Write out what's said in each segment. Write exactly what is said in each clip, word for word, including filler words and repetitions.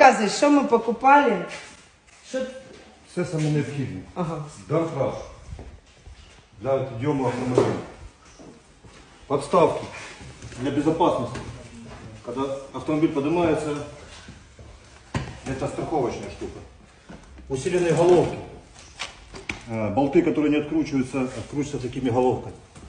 Рассказывай, что мы покупали? Что... Все самое необходимое. Ага. Дарфраж для подъема автомобиля. Подставки для безопасности. Когда автомобиль поднимается, это страховочная штука. Усиленные головки. Болты, которые не откручиваются, откручиваются такими головками.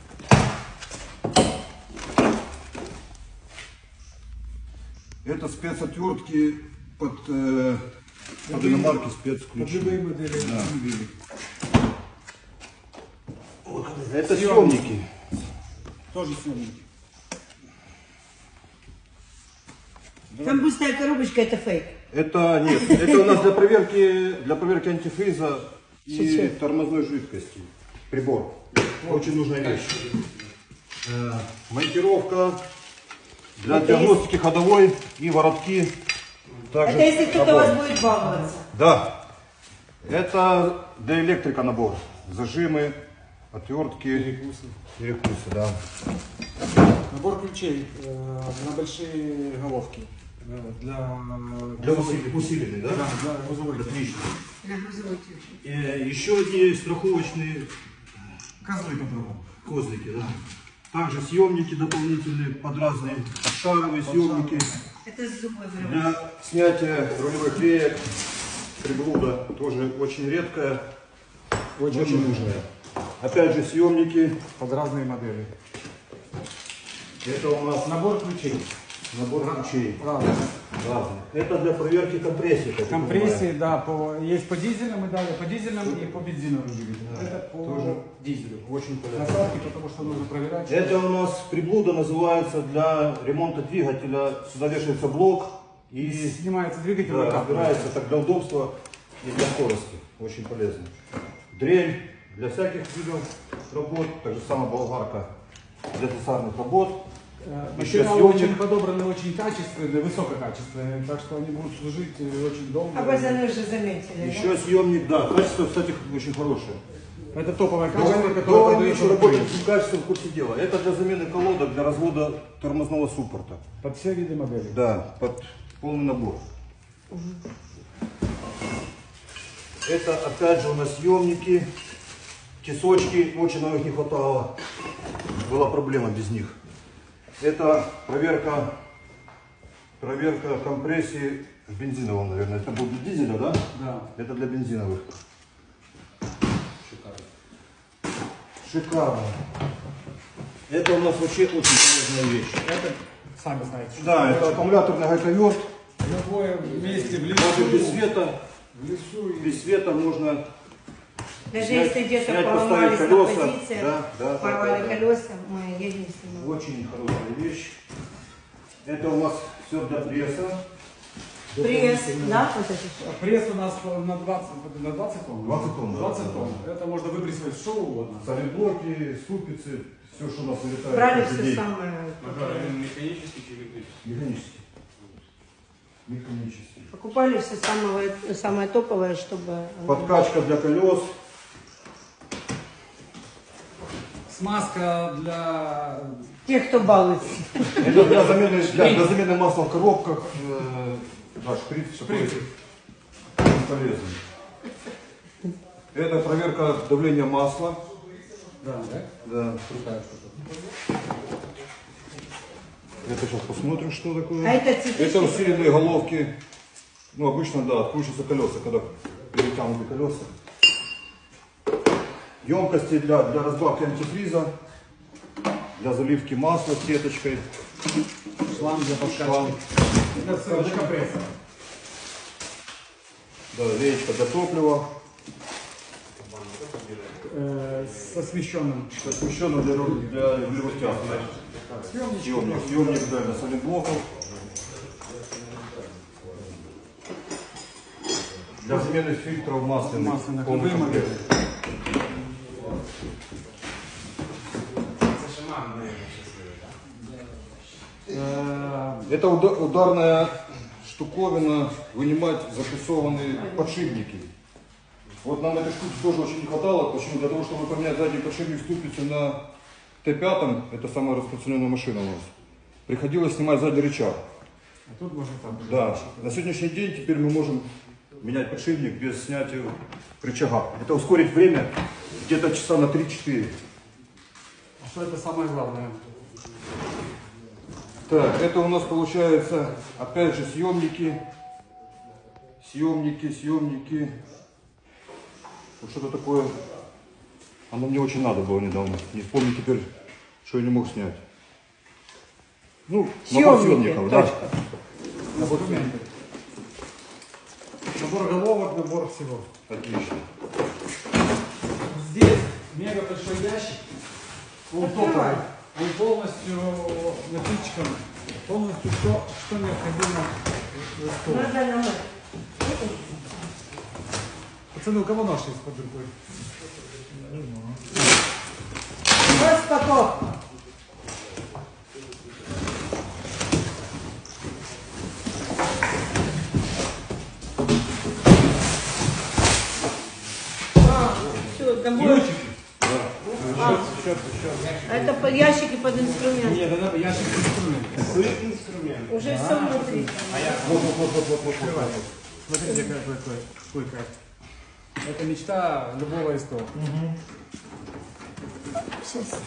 Это спецотвертки под, э, под иномарки спецключи. Да. Это съемники. Тоже съемники. Там пустая коробочка, это фейк. Это нет, это у нас для проверки, для проверки антифриза и Чуть-чуть. тормозной жидкости. Прибор. Очень нужная вещь. Э, монтировка для Это диагностики есть... ходовой и воротки. Также Это если кто-то у набор. вас будет баловаться. Да. Это для электрика набор. Зажимы, отвертки, Перекусы. перекусы, да. Набор ключей э, на большие головки. Э, для Для усиленных, усиленных, да? Да, для грузовой. Отлично. На грузовой тюрьме. Э, еще одни страховочные Козлы попробуем. козлики, да. Также съемники дополнительные под разные шаровые съемники Это с зубой вырывается. для снятия рулевых реек, приблуда, тоже очень редкая, очень, очень нужная. Опять же съемники. Под разные модели. Это у нас Набор ключей. набор ключей. Разные. Разные. Это для проверки компрессии. как я Компрессии, понимаю. да, по, есть по дизельным и далее, по дизельным и по бензиновым двигателям. Да, Это по тоже дизелю. Очень полезно. Насадки, потому что нужно проверять. Это у нас приблуда называется для ремонта двигателя. Сюда вешается блок и Снимается двигатель, да, выкапывается. разбирается так для удобства и для скорости. Очень полезно. Дрель для всяких видов работ. Так же самая болгарка для слесарных работ. Э, Еще Материалы съемник. очень подобраны, очень качественные, высококачественные, так что они будут служить э, очень долго. А вы за мной уже заметили, Еще съемник, да, качество, кстати, очень хорошее. Это топовое До, качество, до которое продается в работать Украине. с качеством в курсе дела. Это для замены колодок, для развода тормозного суппорта. Под все виды моделей. Да, под полный набор. Это опять же у нас съемники, тесочки, очень нам их не хватало. Была проблема без них. Это проверка, проверка компрессии в бензиновом, наверное. Это был для дизеля, да? Да. Это для бензиновых. Шикарно. Это у нас вообще очень полезная вещь. Это, сами знаете, что Да, это это аккумуляторный гайковерт. в любое месте, в Даже без лесу, света, в лесу и без света можно Даже снять, если где-то снять, поломались поставить на колеса. позициях, Да, да, порвали да, да, да. колеса, мы едем с ним. Очень хорошая вещь. Это у нас все для пресса. Пресс, да, вот это все. Пресс у нас на двадцать, на двадцать тонн. двадцать тонн, да. двадцать тонн. Это можно выбрасывать что угодно. Солиблоки, ступицы, все, что у нас вылетает. Брали каждый все день. самое. Механический или электрический? Механически. Механически. Покупали все самое, самое топовое, чтобы... Подкачка для колес. Смазка для... Тех, кто балуется. Это для замены, для, для замены масла в коробках. Э, да, шприц, шприц. Полезный. Это проверка давления масла. Да, да? Да. Крутая штука. Это сейчас посмотрим, что такое. А это цветочки? Это усиленные головки. Ну, обычно, да, откручиваются колеса, когда перетянуты колеса. Емкости для, для разбавки антифриза, для заливки масла сеточкой. Шланг для подкачки. Шланг. Это все для компрессора. Да, леечка для топлива. Э, с освещенным. Освещенная для, ру- для рулевых тяг. Съемнички. Съемник, съемник, да, для солидблоков. Для замены фильтров масляных. Масляных. Полный Любые комплект. модели. Э, Это уда- ударная штуковина, вынимать запрессованные подшипники. Вот нам этой штуки тоже очень не хватало. Почему? Для того, чтобы поменять задний подшипник ступицу на Т пять, это самая распространенная машина у нас, приходилось снимать задний рычаг. А тут можно так. Да, на сегодняшний день теперь мы можем менять подшипник без снятия рычага. Это ускорить время где-то часа на три-четыре. А что это самое главное? Так, это у нас получается, опять же, съемники. Съемники, съемники. Вот что-то такое. Оно мне очень надо было недавно. Не помню теперь, что я не мог снять. Ну, набор Съемники, съемников, да. точка. Набор документов. Набор головок, набор всего. Отлично. Здесь мега большой ящик. Он Открывай. топовый. Он полностью напичкан. Полностью все, что необходимо для стола. Надо намыть. Пацаны, у кого нож есть под рукой? Распаковка. Все, там будет. А, это под ящики под инструмент. Нет, это надо ящик инструмент. Уже все внутри. Вот, вот, вот, вот, вот, вот. Смотрите, какой, какой, какой кайф. Это мечта любого СТО. Сейчас.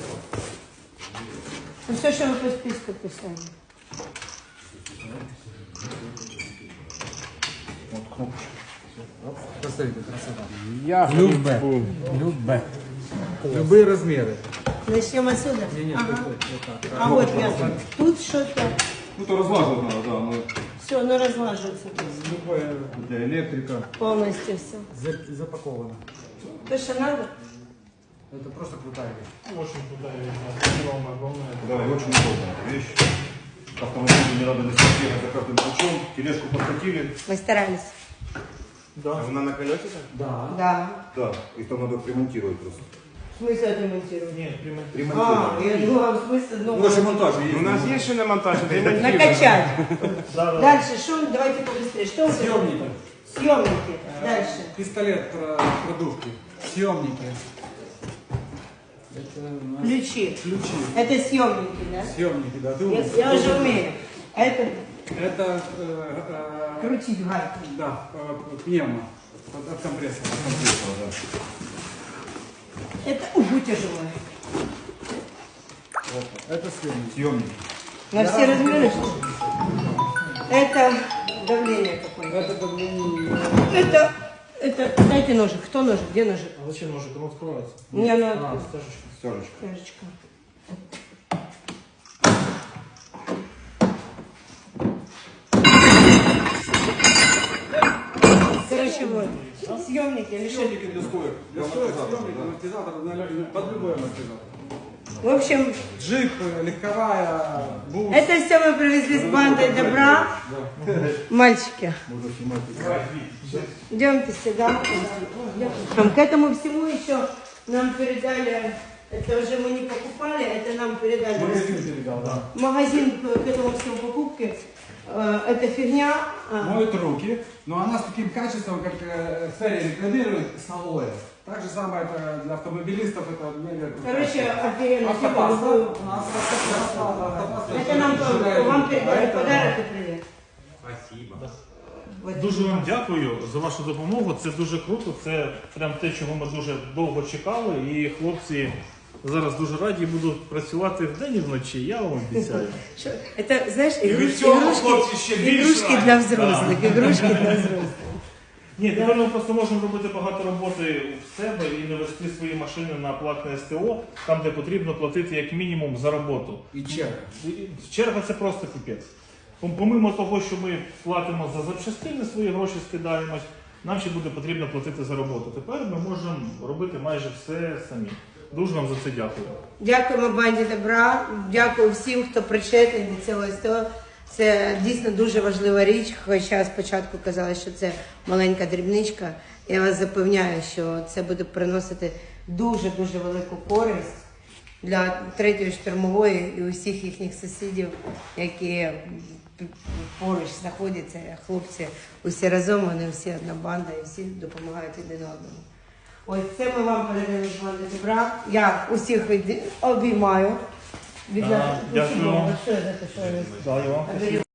Ну все, что вы по списку писали. Посмотрите, красота. Я любе. Любе. Любые размеры. Начнем отсюда. Не, не, Ага. стой, стой, вот так. А вот я. Тут что-то. Ну, то разлаживать надо, да. Но Все, ну разлаживается тут. Любое для электрика. Полностью все. за- запаковано. То, что надо. Это просто крутая вещь. Очень крутая вещь. Огромная, огромная. Да, и очень удобная вещь. Автомобиль не надо носить бегать за каждым ключом. Тележку подкатили. Мы старались. Да. Вона на колесиках? Да. Да. Да, их там надо примонтировать просто. В смысле отремонтировать? Нет, прямо. А, Примонтировать. я думала, в смысле, Ну, ну, наши монтажи есть. У нас есть ще на монтаже, накачать. Да, да. Дальше, что? Давайте побыстрее. Что вы Съемники. хотите? Съемники. Дальше. Пистолет про продувки. Съемники. Это у нас Ключи. ключи. Это съемники, да? Съемники, да. Ты Я, умный. я уже умею. А это Это э, э, крутить гайку. да, э, пневмо. От, от компрессора. Это убу тяжелое. Это съемники. Съемники. На все размеры. что ли? Это давление какое-то. Это давление. Это, это, дайте ножик. Кто ножик? Где ножик? А зачем ножик? Он откроется. Мне А, надо. Стяжечка. Стяжечка. Стяжечка. Короче, вот. Съемники или что? Съемники для стоек. Для Для стоек, амортизатора, съемник, да. амортизатор, на- под любой амортизатор. В общем, Джип, э, легковая, бус. это все мы привезли с бандой добра. Мальчики, Можно снимать. идемте сюда. К этому всему еще нам передали, это уже мы не покупали, это нам передали. Магазин передал, да. Магазин к этому всему покупки. Э, Это фигня. а, Моют руки, но она с таким качеством, как э, Ферри рекламирует, с алоэ. Так же самое это для автомобилистов, это мега крутая Короче, штука. офигенно. Автопаста. Типа, У нас автопаста, автопаста. Это нам Сжигает вам руки. передали Поэтому- подарок і привіт. Спасибо. Вот. Дуже вам дякую за вашу допомогу. Це дуже круто. Це прям те, чого ми дуже довго чекали. І хлопці зараз дуже раді будуть працювати вдень і вночі. Я вам обіцяю. Що? Это, знаешь, від игрушки, цього хлопці ще игрушки, більш игрушки раді. для взрослых, игрушки для взрослых. Ні, тепер ми просто можемо робити багато роботи в себе і не вести свої машини на платне СТО, там де потрібно платити як мінімум за роботу. І черга. І черга це просто піпець. Пом- Помимо того, що ми платимо за запчастини, свої гроші скидаємось, нам ще буде потрібно платити за роботу. Тепер ми можемо робити майже все самі. Дуже вам за це дякую. Дякуємо банді добра, дякую всім, хто причетний до цього СТО. Це дійсно дуже важлива річ, хоча спочатку казали, що це маленька дрібничка. Я вас запевняю, що це буде приносити дуже-дуже велику користь для третьої штурмової і усіх їхніх сусідів, які поруч знаходяться. Хлопці усі разом, вони всі одна банда і всі допомагають один одному. Ось це ми вам передаємо з банди добра. Я усіх від- обіймаю. Від А, нас- дякую. Що це, що ви- Дякую вам.